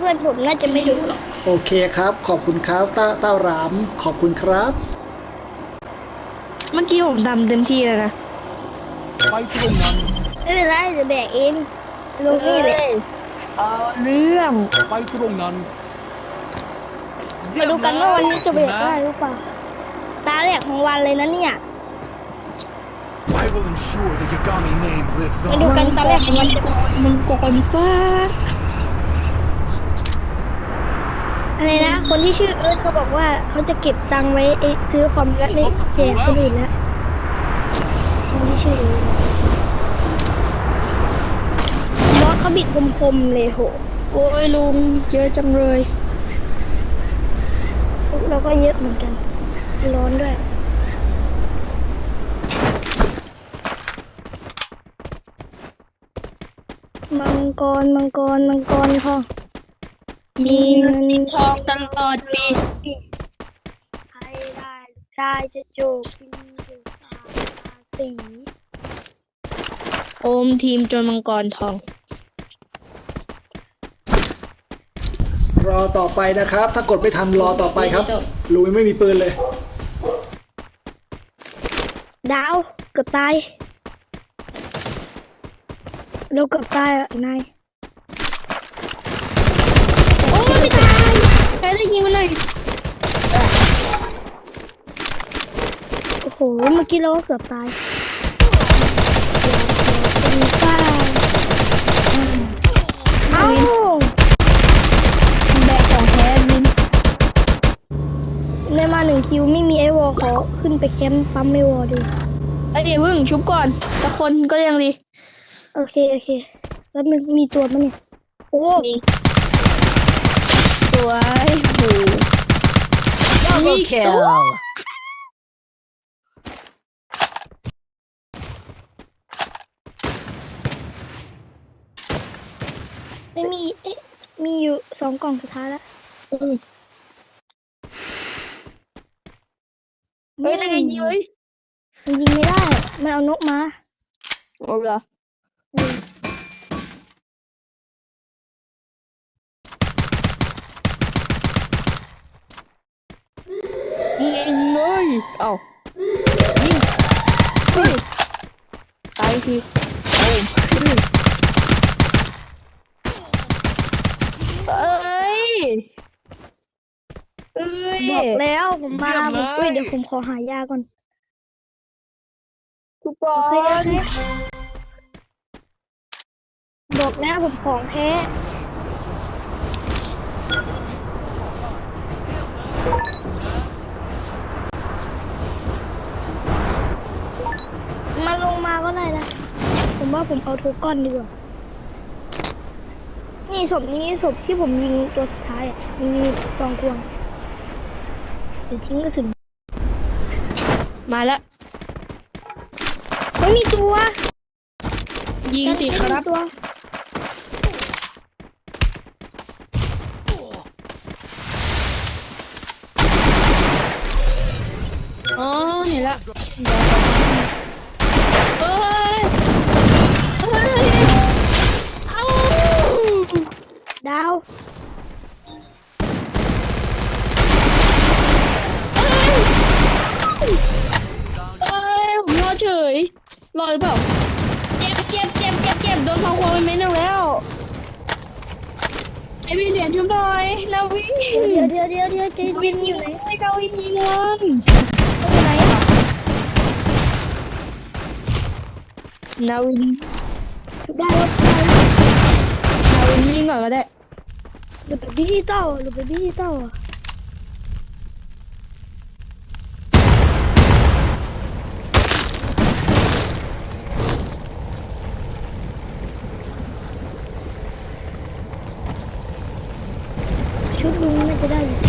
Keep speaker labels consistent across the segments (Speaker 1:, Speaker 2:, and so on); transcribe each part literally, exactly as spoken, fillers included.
Speaker 1: เพื่อนผมน่าจะไม่ดูหรอก
Speaker 2: โอเคครับขอบคุณครับเต้าเต้ารามขอบคุณครับ
Speaker 3: เมื่อกี้ผมทำเต็มที่แล้วนะ
Speaker 4: ไปตรงนั้น
Speaker 1: ไม่เป็นไรเดี๋ยวแบกเองลงนี่เลย
Speaker 3: เอาเรื่อง
Speaker 4: ไปตรงนั้น
Speaker 1: มาดูกันว่าวันนี้จะแบกได้หรือเปล่าตาแรกของวันเลยนะเนี่ย
Speaker 4: I will ensure the Yagami name lives
Speaker 1: มาดู
Speaker 4: on
Speaker 1: กันตาแรกของวัน
Speaker 3: มันกอนฟ้า
Speaker 1: อะไรนะคนที่ชื่อเอิร์ธเขาบอกว่าเขาจะเก็บตังค์ไว้ซื้อคอมแล้วไม่แจกคนอื่นแล้วคนที่ชื่อเอิร์ธมอสเขาบิดคมๆเลยโห
Speaker 3: โอ้ยลุงเยอะจังเลย
Speaker 1: เราก็เยอะเหมือนกันร้อนด้วยมังกรมังกรมังกรทอง
Speaker 3: มีเงินทองตลอดปี
Speaker 1: ใครได้ชายจะจูบกินดูตาสี
Speaker 3: โอมทีมจนมังกรทอง
Speaker 2: รอต่อไปนะครับถ้ากดไม่ทันรอต่อไปครับลุยไม่มีปืนเลย
Speaker 1: ดาวเกือบตายเราเกือบตายอ่ะนาย
Speaker 3: โอ้ไม่ตายใครได้ยิงมันเลย
Speaker 1: โอ้โหเมื่อกี้เราก็เกือบตายเป็นป้าเอ้า
Speaker 3: แบกของแท้วิน
Speaker 1: ได้มาหนึ่งคิวไม่มีไอวอลขอขึ้นไปแคมป์ปั๊มไอวอลดู
Speaker 3: เอ้ยเพิ่งชุบก่อนแต่คนก็ยังดี
Speaker 1: โอเคโอเคแล้วมันมีตัวมั้ยเนี่ยโอ้
Speaker 3: สวยโห
Speaker 5: Double kill
Speaker 1: ไม่มีเอ๊ะมีอยู่สองกล่องสุดท้ายแล้ว
Speaker 3: เฮ้ยนั่นไงยิงเลย
Speaker 1: มันยิงไม่ได้มันเอานกมา
Speaker 3: โอ้เหรอยิงเองยิงเลยเอ้ายิงเฮ้ยตายทีโอ้เอ้ยเอ้ย
Speaker 1: บอกแล้วผมมาผมอุ้ยเดี๋ยวผมขอหายาก่อน
Speaker 3: ทุกค
Speaker 1: โอเคน บอกแล้วผมของแท้มาลงมาก็ได้นะผมว่าผมเอาโทก้อนดีกว่านี่ศพนี้ศพที่ผมยิงตัวสุดท้ายอ่ะมีสองควงเดี๋ยวทิ้งกระสุน
Speaker 3: มาแล้ว
Speaker 1: ไม่มีตัว
Speaker 3: ยิงสิครับ
Speaker 1: ตัว
Speaker 3: อ๋อเห็นแล้วเฮ้ยเฮ้ยเอ้า
Speaker 1: ดาว
Speaker 3: เอ้ยผมรอเฉยรอหรือเปล่าเจ็บเจ็บเจ็บเจ็บเจ็บโดนทองควงเป็นเม็ดหนึ่งแล้วไอวินเหรียญชุบหน่อยนาวิน
Speaker 1: เดี๋ยวเดี๋ยวเดี๋ยวเดี๋ยวเจวินอยู่ไหน
Speaker 3: ไอนาวินยิงมัน
Speaker 1: อยู่ไหน
Speaker 3: นาวิน
Speaker 1: ชุบได้แล้ว
Speaker 3: นาวินยิงก่อนก็ได้
Speaker 1: หรือเป็นดิจิตอลหรือเป็นดิจิตอลชุดลุงน่าจะได้อยู่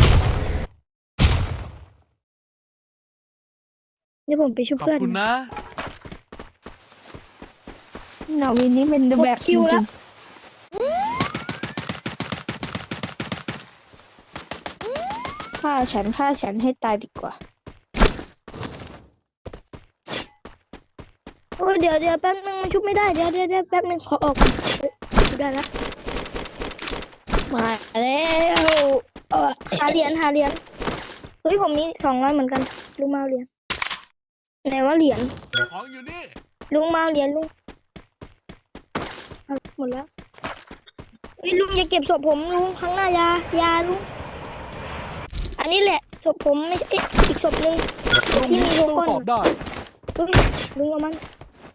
Speaker 1: นี่ผมไปชุบเพื่อน
Speaker 4: ขอบคุณนะ
Speaker 3: นาวินนี่เป็นแบบจริงๆฆ่าฉันฆ่าฉันให้ตายดีกว่า
Speaker 1: โอ้ยเดี๋ยวเดี๋ยวแป๊บนึงมันชุบไม่ได้เดี๋ยวเดี๋ยวเดี๋ยวแป๊บนึงขอออกก่อนชุบได้แล้ว
Speaker 3: มาแล้วเออ
Speaker 1: หาเหรียญหาเหรียญเฮ้ยผมมีสองร้อยเหมือนกันลุงมาเอาเหรียญไหนว่าเหรียญ
Speaker 4: ของอยู่นี่
Speaker 1: ลุงมาเอาเหรียญลุงเอาหมดแล้วเฮ้ยลุงอย่าเก็บศพผมลุงข้างหน้ายายาลุงอันนี้แหละศพผมไม่ใช่เอ๊ะอีกศพหนึ่ง
Speaker 4: ตรง
Speaker 1: ที่
Speaker 4: นี้
Speaker 1: มีโล
Speaker 4: โต้
Speaker 1: โก้
Speaker 4: ตอบได้
Speaker 1: ลุงลุงเอามัน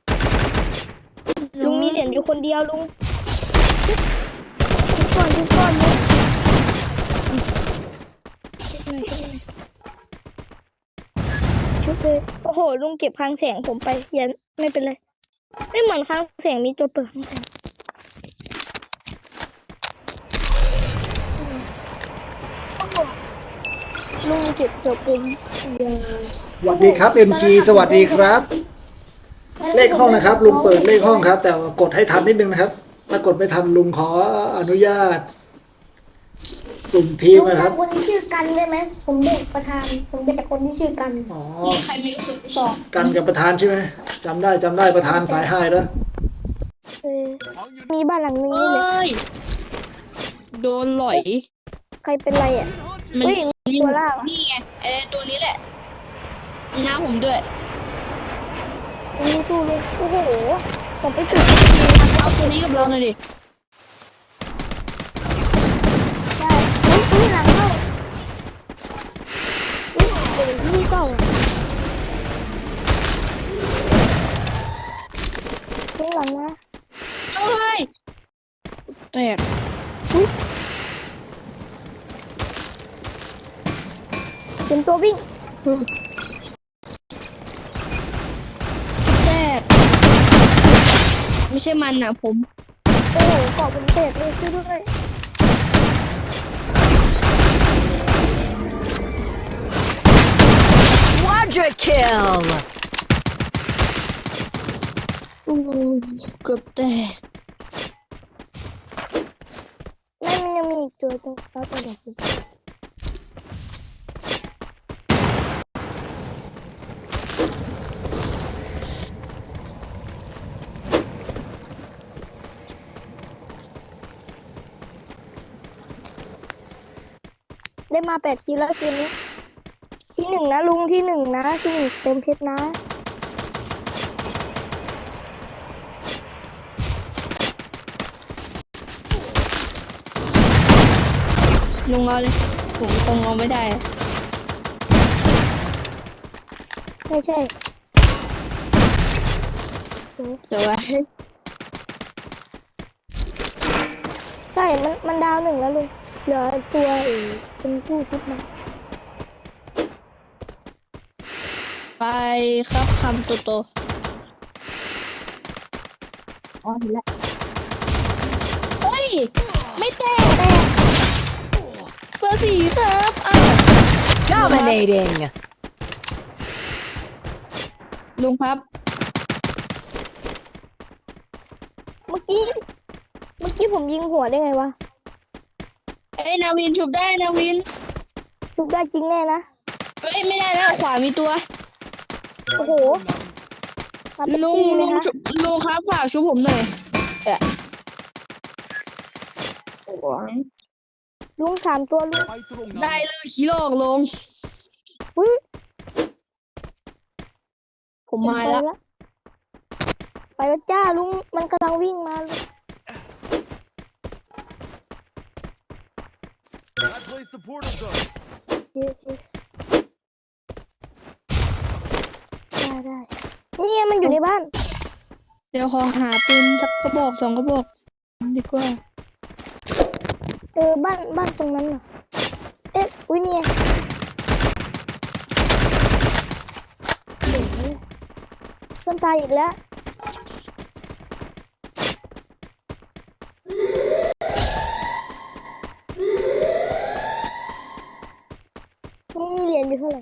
Speaker 1: ลุงมีเหรียญอยู่คนเดียวลุงทุกคนทุกคนลุงชุบหน่อยชุบหน่อยชุบเลยโอ้โหลุงเก็บคลังแสงผมไปอย่าไม่เป็นไรไม่เหมือนคลังแสงมีตัวเปิดคลังแสงโอ้โหลุงเก็บศพผมยัง
Speaker 2: สวัสดีครับ เอ็ม จี สวัสดีครับ เลขห้องนะครับ ลุงเปิดเลขห้องครับ แต่ว่ากดให้ทันนิดนึงนะครับ ถ้ากดไม่ทันลุงขออนุญาต สุ่มทีมนะครับ
Speaker 1: คนที่ชื่อกันได้ไหมผมเด็กประธานผมเป็นคนที่ชื่อกัน
Speaker 2: อ๋อ
Speaker 3: มีใครมีสุดสอง
Speaker 2: กันกับประธานใช่ไหมจำได้จำได้ประธานสายไฮแล้ว
Speaker 1: เออ
Speaker 4: ของอยู่
Speaker 1: มีบ้านหลังนึง
Speaker 3: เอ
Speaker 1: นี่เลย้
Speaker 3: ยโดนหลอย
Speaker 1: ใครเป็นไรอ่ะ
Speaker 3: มัน
Speaker 1: เฮ้ย
Speaker 3: วิ่ง
Speaker 1: ตัวล่างอะ
Speaker 3: นี่ไงไอ้ตัวนี้แหละหน้าผมด้วย
Speaker 1: ลุงสู้เลยโอ้โหผมไปจุด
Speaker 3: เอาตัวนี้กับเราหน่อยดิ
Speaker 1: ได้อุ้ยอุ้ยหลังเข้าอุ้ยเป็นที่เก่าอะอุ้ยหลังนะ
Speaker 3: เอ้ยแตก
Speaker 1: เป็นตัววิ่ง
Speaker 3: แตกไม่ใช่มันนะผม
Speaker 1: โอ้โหกรอบผมเตะเลยช่วยด้วย
Speaker 5: Quadra kill.
Speaker 3: อู้เกือบแตก
Speaker 1: นั่นมันยังมีอีกตัวตรงเสาตัวเด็กอยู่ได้มาแปดคิวแล้วคืนนี้ ที่หนึ่งนะลุงที่หนึ่งนะที่หนึ่งเต็มเพชรนะ
Speaker 3: ลงเอาเลยผมคงเอาไม่ได้
Speaker 1: ไม่ใช่
Speaker 3: แต่ว่า
Speaker 1: ใช่ มันมันดาวหนึ่งแล้วลุงเหลือตัวอีกเป็นผู้ชุดมา
Speaker 3: ไปครับคำโตโตอ๋อเห็นแล้วเฮ้ย ไม่แตกเบอร์สี่ครับอ้าว
Speaker 5: Dominating.
Speaker 3: ลุงครับ
Speaker 1: เมื่อกี้ เมื่อกี้ผมยิงหัวได้ไงวะ
Speaker 3: เอ้ยนาวินชุบได้นาวิน
Speaker 1: ชุบได้จริงแน่นะ
Speaker 3: เอ้ยไม่ได้แล้วขวามีตัว
Speaker 1: โอ้โหมาเป็น
Speaker 3: ลุง
Speaker 1: ที่เล
Speaker 3: ลุ
Speaker 1: ย
Speaker 3: ง
Speaker 1: นะ
Speaker 3: ชุบลุงครับฝากชุบผมหน่อยเอะโอ้ย
Speaker 1: ลุงสามตัวลุง
Speaker 4: ไปตรงนั้น
Speaker 3: ได้เลยขี้โลกลง
Speaker 1: อุ้ย
Speaker 3: ผมมาแล้ว
Speaker 1: ไปแล้วจ้าลุง มันกำลังวิ่งมาลุง
Speaker 4: I placed the portal gun.
Speaker 1: เดี๋ยวเดี๋ยวได้ได้นี่ไงมันอยู่ในบ้าน
Speaker 3: เดี๋ยวขอหาปืนสักกระบอกสองกระบอกดีกว่า
Speaker 1: เออบ้านบ้านตรงนั้นเหรอ เอ๊ะอุ้ยเนี่ยเดี๋ยวเพื่อนตายอีกแล้วนี่เหรียญอยู่เท่าไหร่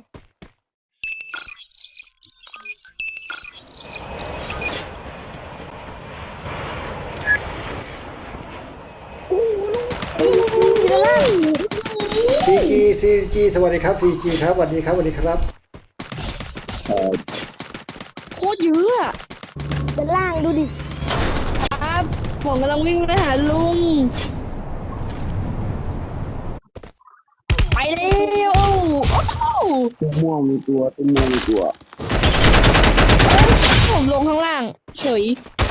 Speaker 1: อู้หูลุงนี่ลุงอยู่ด้านล่าง
Speaker 2: ซี จี ซี จี สวัสดีครับ ซี จี ครับสวัสดีครับสวัสดีครับ
Speaker 3: โคตรเยอะอะ
Speaker 1: ด้านล่างดูดิ
Speaker 3: ครับผมกำลังวิ่งไปหาลุงแล้วโอ้โหโอ้โห
Speaker 6: ตัวม่วงมีตัวตัวม่วงมีตัว
Speaker 3: ผมลงข้างล่างเฉย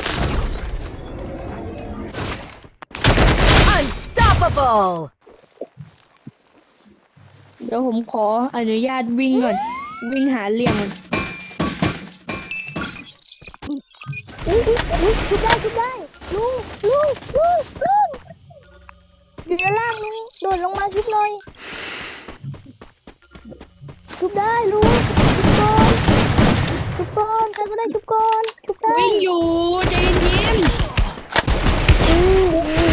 Speaker 5: Unstoppable.
Speaker 3: เดี๋ยวผมขออนุญาตวิ่งก่อน วิ่งหาเหลี่ยมก่อน
Speaker 1: อุ้ยอุ้ยชุบได้ชุบได้ลุงลุงลุงลุงอยู่ด้านล่างลุงโดดลงมาชุบหน่อยชุบได้ลุงชุบก่อนชุบก่อนใครก็ได้ชุบก่อนชุบได้
Speaker 3: วิ่งอยู่ใจเย็น
Speaker 1: อืม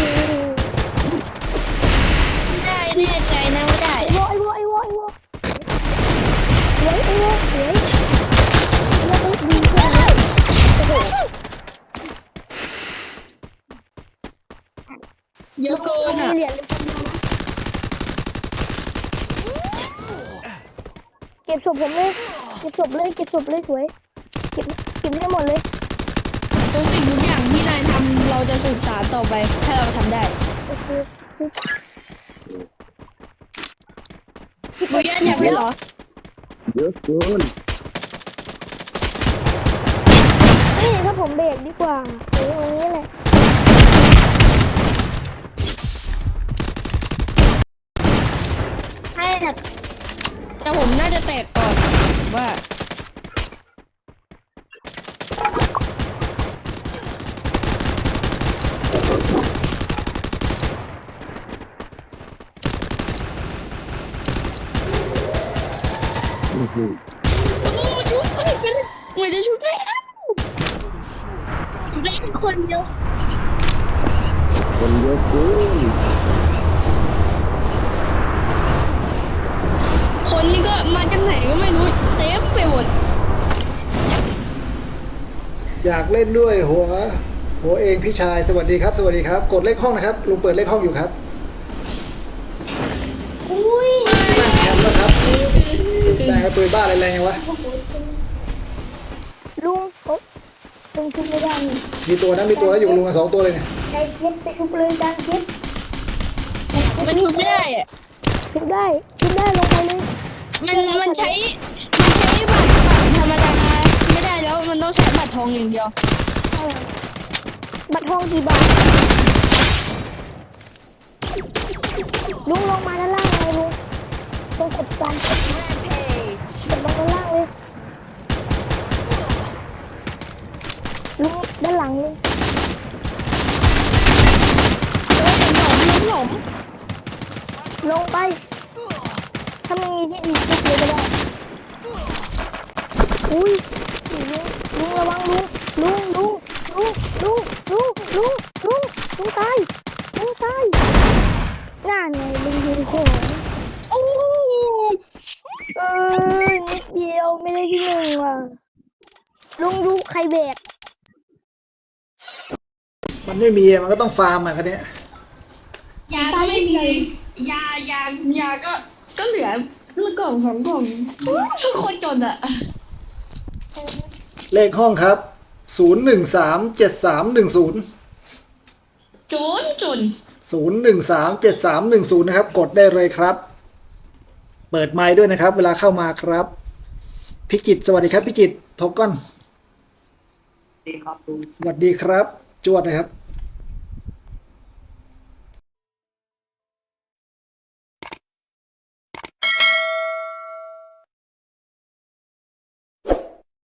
Speaker 3: ๆได้แน่ใจนะว่าได้
Speaker 1: ไอ้วอไอ้วอไอ้วอไอ้วอสวยไอ้วอสวยแล้วก็ดีกว่าโอ้โห
Speaker 3: เยอะเกิน
Speaker 1: มี
Speaker 3: อ่ะ
Speaker 1: เหรียญเลยคนเดียวนะเก็บศพผมเลยเก็บศพเลยเก็บศพเลยสวยเก็บเก็บให้หมดเลย
Speaker 3: ทุกสิ่งทุกอย่างที่นายทำเราจะสืบสานต่อไป ถ้าเราทำได้
Speaker 1: โอเค
Speaker 3: บุญญาอยากได้เหรอ
Speaker 6: เยอะเกิน
Speaker 1: นี่ถ้าผมเบรกดีกว่าโอ้ยอย่างนี้แหละ
Speaker 3: ให้แต่แต่ผมน่าจะแตกก่อนว่า
Speaker 6: อื้อหือ
Speaker 3: โอ้ชุบเอ้ยเป็นเหมือนจะชุบแล้วเล่นคนเดียว
Speaker 6: คนเยอะเกิน
Speaker 3: คนนี้ก็มาจากไหนก็ไม่รู้เต็มไปหมด
Speaker 2: อยากเล่นด้วยหัว หัวเองพี่ชายสวัสดีครับ สวัสดีครับ กดเลขห้องนะครับลุงเปิดเลขห้องอยู่ครับ
Speaker 1: อุ้ย
Speaker 2: นั่งแคมป์แล้วครับแรงกระปืนบ้าอะไรแรงยังวะ
Speaker 1: ลุงโอ๊ะลุงชุบไม่ได้นี่
Speaker 2: มีตัวนะมีตัวแล้วอยู่กับลุงกันสองตัวเลยเนี่ย
Speaker 1: ใจเย็นไปชุบเลยจานเย็น
Speaker 3: มันชุบไม่ได้อะ
Speaker 1: ชุบได้ชุบได้ลงไปเลย
Speaker 3: มันมันใช้มันใช้บัตรบัตรธรรมดาไม่ได้แล้วมันต้องใช้บัตรทองอย่างเดียว
Speaker 1: เออบัตรทองกี่บาทลุงลงมาด้านล่างเลยลุงตรงกดจานกด
Speaker 5: Rampage.
Speaker 1: ลงด้านล่างเลยลุงด้านหลังเลย
Speaker 3: เฮ้ยหลงหลงหลง
Speaker 1: ลงไป ถ้ามันมีที่ดีชุบเลยก็ได้อุ้ยลุงลุงระวังลุงลุงลุงลุงลุงลุงลุงลุงลุงตายลุงตายน่าไงลุงยิงของ
Speaker 3: โอ้
Speaker 1: เออนิดเดียวไม่ได้ที่หนึ่งว่ะลุงดูใครแบก
Speaker 2: มันไม่มีมันก็ต้องฟาร์มอ่ะคันนี้ย
Speaker 3: ยาก็ไม่มียายายาก็ก็เหลือละกล่องสองกล่องทุกคนจนอะ
Speaker 2: เลขห้องครับศูนย์หนึ่งสามเจ็ดสามหนึ่งศูนย์
Speaker 3: จนจน
Speaker 2: ศูนย์หนึ่งสามเจ็ดสามหนึ่งศูนย์นะครับกดได้เลยครับ เปิดไมค์ด้วยนะครับ เวลาเข้ามาครับพิจิตรสวัสดีครับพิจิตรทอกก้อนสวัสดีครับ จวดนะครับ